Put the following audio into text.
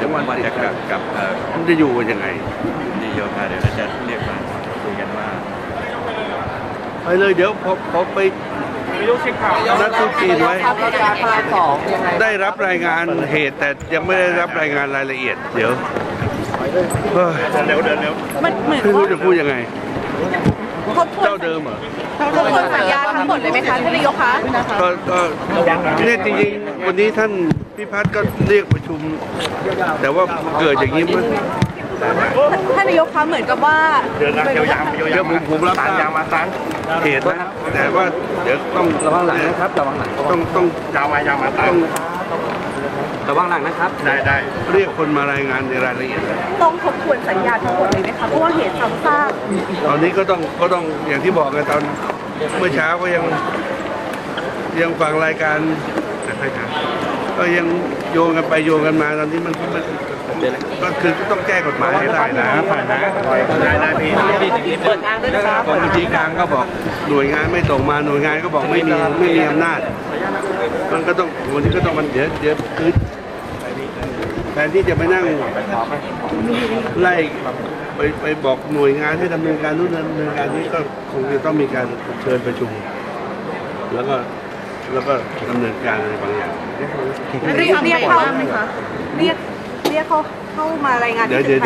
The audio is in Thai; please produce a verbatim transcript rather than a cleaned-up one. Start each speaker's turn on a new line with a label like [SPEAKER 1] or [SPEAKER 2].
[SPEAKER 1] องวัน
[SPEAKER 2] วัน
[SPEAKER 1] ติด
[SPEAKER 2] จะก
[SPEAKER 1] กั
[SPEAKER 2] ลั
[SPEAKER 1] น
[SPEAKER 2] บกับเอ่อ
[SPEAKER 1] มันจะอยู่กันยังไง
[SPEAKER 2] ดีโยธาเดี๋ยวเราจะเรียกมาคุยกันว่า
[SPEAKER 1] ไปเลยเดี๋ยวพอพอไปนัดทุกจีนไว้
[SPEAKER 3] ประกาศมาสองยังไง
[SPEAKER 1] ได้รับรายงานเหตุแต่ยังไม่ได้รับรายงานรายละเอียด เดี๋ยวเฮ้ย
[SPEAKER 2] เร็วเดินเร็ว
[SPEAKER 4] มันเหมือน
[SPEAKER 1] ไม่รู้จะพูดยังไง
[SPEAKER 4] ทบทวน
[SPEAKER 1] เจ้าเดิมเหรอ
[SPEAKER 4] ทบทวนสัญญาทั้งหมดเลยไหมคะท่านนายกคะ
[SPEAKER 1] ก็ก็เนี่ยจริงๆวันนี้ท่านพิพัฒน์ก็เรียกประชุม แต่ว่าเกิดอย่างนี้มัน
[SPEAKER 4] ท่านนายกคะเหมือนกับว่า
[SPEAKER 2] เดินนะเดี๋ยวยามเดี๋ยวยาม
[SPEAKER 1] ผมผมรับทราบ
[SPEAKER 2] ยามมาซัน
[SPEAKER 1] เหตุนะแต่ว่าเดี๋ยวต้อง
[SPEAKER 3] ระวังหลังนะครับระวังหลัง
[SPEAKER 1] ต้องต้อง
[SPEAKER 2] ยามมายามมาซั
[SPEAKER 1] ต้
[SPEAKER 2] น
[SPEAKER 1] อง
[SPEAKER 3] ระวังหลังนะครับ
[SPEAKER 2] ได้ได้
[SPEAKER 1] เรียกคนมารายงานในรายละเอียด
[SPEAKER 4] ต้องทบทวนสัญญาทั้งหมดเลยไหมคะเพราะว่าเหตุซ้ำซาก
[SPEAKER 1] ตอนนี้ก็ต้องก็ต้องอย่างที่บอกกันตอนเมื่อเช้าก็ยังยังฟังรายการก็ยังโยงกันไปโยงกันมาตอนนี้มันมันก็คือต้องแก้กฎหมายให้ได้นะผ่านนะ
[SPEAKER 2] ได้ได้พี่
[SPEAKER 3] เปิดทางด้วยนะครับ
[SPEAKER 1] กองบัญชีกลางก็บอกหน่วยงานไม่ส่งมาหน่วยงานก็บอกไม่มีไม่มีอำนาจ มันก็ต้องวันนี้ก็ต้องมันเดี๋ยวเดี๋ยวคือแทนที่จะไปนั่งไล่ไปไปบอกหน่วยงานให้ดำเนินการนู่นดำเนินการนี้ก็คงจะต้องมีการเชิญประชุม แล้วก็แล้วก็ดำเนินการอะไรบางอย่าง
[SPEAKER 4] เรียกเรียกเขาไหมคะเรียกเรียกเขาเข้ามารายงานที่ตึกไท